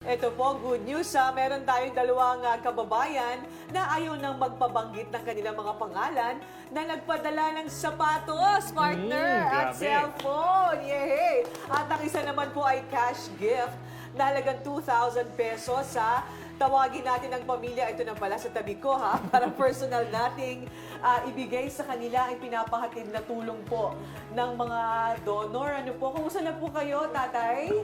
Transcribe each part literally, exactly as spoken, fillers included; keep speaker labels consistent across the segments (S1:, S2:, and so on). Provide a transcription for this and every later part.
S1: Ito po, good news ha. Meron tayong dalawang uh, kababayan na ayaw nang magpabanggit ng kanilang mga pangalan na nagpadala ng sapatos, partner,
S2: Mm,
S1: at
S2: grabe.
S1: cellphone. Yay! At ang isa naman po ay cash gift na halagang two thousand pesos sa tawagin natin ang pamilya. Ito na pala sa tabi ko ha, para personal nating uh, ibigay sa kanila ang pinapahatid na tulong po ng mga donor. Ano po, kumusta na po kayo, tatay?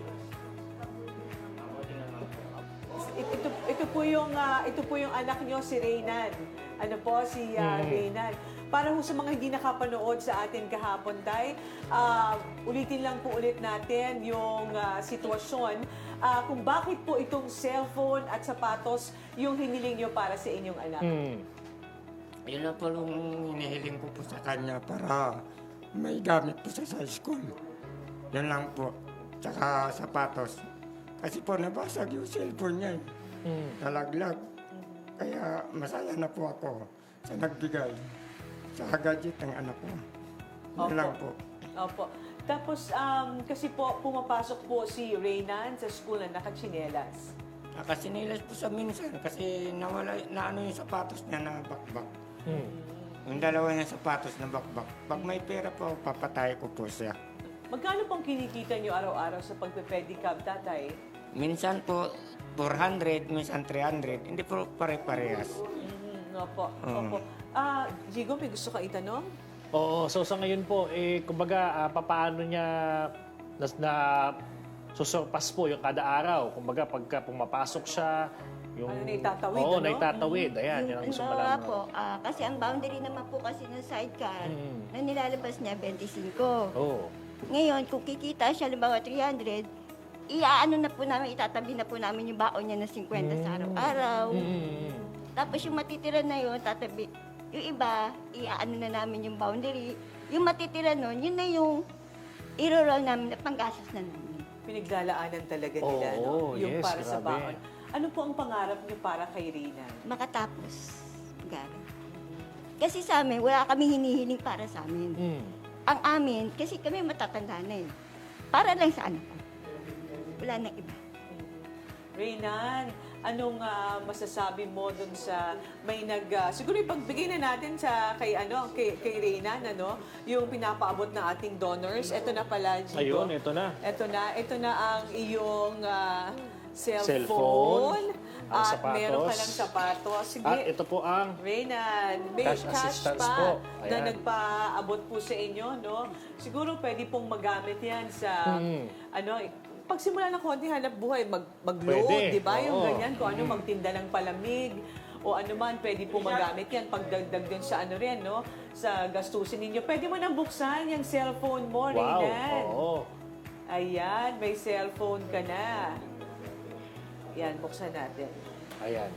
S1: Ito, ito, ito po yung uh, ito po yung anak nyo, si Reynan. Ano po, si uh,
S2: Mm.
S1: Reynan. Para ho sa mga hindi nakapanood sa atin kahapon, tay, uh, ulitin lang po ulit natin yung uh, sitwasyon uh, kung bakit po itong cellphone at sapatos yung hiniling nyo para sa inyong anak.
S2: Mm.
S3: Yun lang po yung hinihiling ko po sa kanya para may gamit po siya sa school. Yun lang po. Tsaka sapatos. Kasi po nabasag yung cellphone niya. eh.
S2: Mm.
S3: Nalaglag. Kaya masaya na po ako sa nagbigay sa gadget ng anak ko. Yun
S1: Opo.
S3: lang po.
S1: Opo. Tapos, um, kasi po, pumapasok po si Reynan sa school na nakachinelas.
S3: Nakasinilas po sa minsan kasi nawala na ano yung sapatos niya na bakbak.
S2: Mm.
S3: Yung dalawa niya sapatos na bakbak. Pag may pera po, papatay ko po siya.
S1: Magkano pong kinikita nyo araw-araw sa pagpe-pedicab, tatay?
S3: Minsan po four hundred, minsan three hundred. Hindi po pare-parehas.
S1: Mhm, opo,
S3: Oo.
S1: opo. Ah, Jigo, may gusto ka itanong?
S2: Oo, so sa ngayon po, eh, kumbaga, ah, papaano niya na, na susurpas po yung kada araw? Kumbaga, pagka pumapasok siya, yung...
S1: Ano, naitatawid,
S2: Oo,
S1: ano?
S2: naitatawid. Ayan, yan ang gusto
S4: Halimbawa
S2: malaman.
S4: po, ah, kasi ang boundary naman po kasi ng sidecar
S2: Mm.
S4: na nilalabas niya twenty-five.
S2: Oo.
S4: Ngayon, kung kikita siya, halimbawa three hundred, iaano na po namin, itatabi na po namin yung baon niya na fifty sa araw-araw.
S2: Mm.
S4: Tapos yung matitira na yun, tatabi. Yung iba, iaano na namin yung boundary. Yung matitira nun, yun na yung iro-roll namin na panggastos na namin.
S1: Pinaglalaanan talaga nila,
S2: Oo,
S1: no? Yung
S2: yes,
S1: para sa
S2: grabe.
S1: baon. Ano po ang pangarap niyo para kay Reynan?
S4: Makatapos. Gara. Kasi sa amin, wala kami hinihiling para sa amin.
S2: Mm.
S4: Ang amin, kasi kami matatanda na eh. Para lang sa anak ko. Wala nang iba.
S1: Reynan, anong ah, masasabi mo dun sa may nag ah, siguro ipagbigay na natin sa kay ano kay kay Reynan ano yung pinapaabot ng ating donors. Ito na pala, Jigo.
S2: Ayun, ito na.
S1: Ito na, ito na ang iyong ah, cellphone.
S2: Cellphone, ang
S1: At
S2: sapatos.
S1: meron ka ng sapatos. Sige.
S2: At ito po ang...
S1: Reynan, may
S2: Cash
S1: cash,
S2: assistance
S1: pa
S2: po.
S1: na
S2: Ayan.
S1: nagpaabot po sa inyo, no? Siguro pwede pong magamit yan sa,
S2: Mm.
S1: ano, pagsimula ng konting hanap buhay, mag, mag-load,
S2: Pwede.
S1: di ba? Yung
S2: Oo.
S1: ganyan, kung ano,
S2: Mm.
S1: magtinda ng palamig, o ano man, pwede po magamit yan. Pagdagdag din sa ano rin, no? Sa gastusin ninyo. Pwede mo nang buksan yung cellphone mo,
S2: Wow.
S1: Reynan.
S2: Oo.
S1: Ayan, may cellphone ka na. Yan, buksan natin.
S2: Ayan.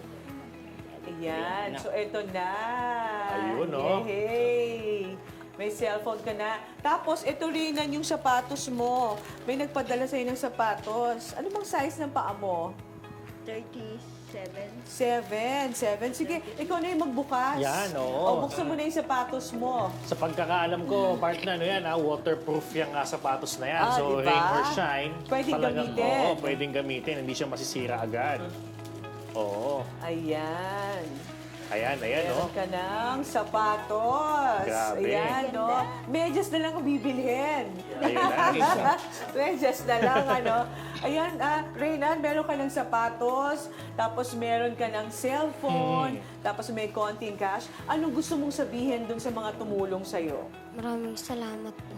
S1: Ayan. So, eto na.
S2: Ayun, no?
S1: Yay! May cellphone ka na. Tapos, ito rin yung sapatos mo. May nagpadala sa'yo ng sapatos. Ano bang size ng paa mo?
S4: thirty-seven.
S1: Seven. Seven. Sige, ikaw na yung magbukas.
S2: Yan, oo.
S1: O, buksan mo na yung sapatos mo.
S2: Sa pagkakaalam ko, partner, ano yan, ah, waterproof yung ah, sapatos na yan.
S1: Ah,
S2: so,
S1: diba?
S2: rain or shine,
S1: Pwedeng
S2: talagang-
S1: gamitin.
S2: Oo, pwedeng gamitin. Hindi siya masisira agad. Oo.
S1: Ayan.
S2: Ayan, ayan, no?
S1: Meron ka ng sapatos.
S2: Grabe.
S1: Ayan, no? Medyas na lang ang bibilhin.
S2: Ayun na.
S1: Medyas na lang, ano? Ayan, ah, Reynan, meron ka ng sapatos, tapos meron ka ng cellphone,
S2: Mm.
S1: tapos may konting cash. Anong gusto mong sabihin dun sa mga tumulong sa'yo?
S5: Maraming salamat po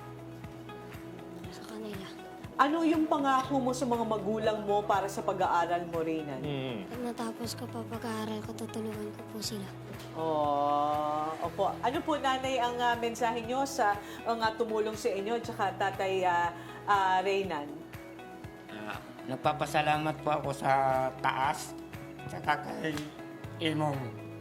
S5: sa kanila.
S1: Ano yung pangako mo sa mga magulang mo para sa pag-aaral mo, Reynan?
S2: Mm.
S5: Pag natapos ko pa pag-aaral ko, tutulungan ko po sila.
S1: Oh, opo. Ano po, nanay, ang uh, mensahe nyo sa mga tumulong sa inyo, tsaka tatay uh, uh, Reynan?
S3: Ah, nagpapasalamat po ako sa taas, tsaka kay Imong.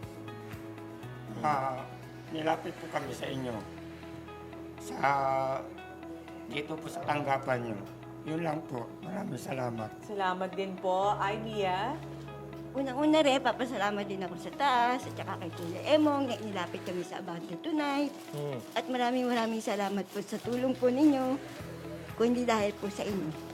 S3: Ah, nilapit po kami sa inyo. Sa dito po sa tanggapan nyo. Yun lang po. Maraming salamat.
S1: Salamat din po. Ay, Mia.
S4: Unang-una rin, papasalamat din ako sa taas, at saka kay Kuya Emong, na inilapit kami sa Abante Tonight.
S2: Mm.
S4: At maraming maraming salamat po sa tulong po ninyo, kundi dahil po sa inyo.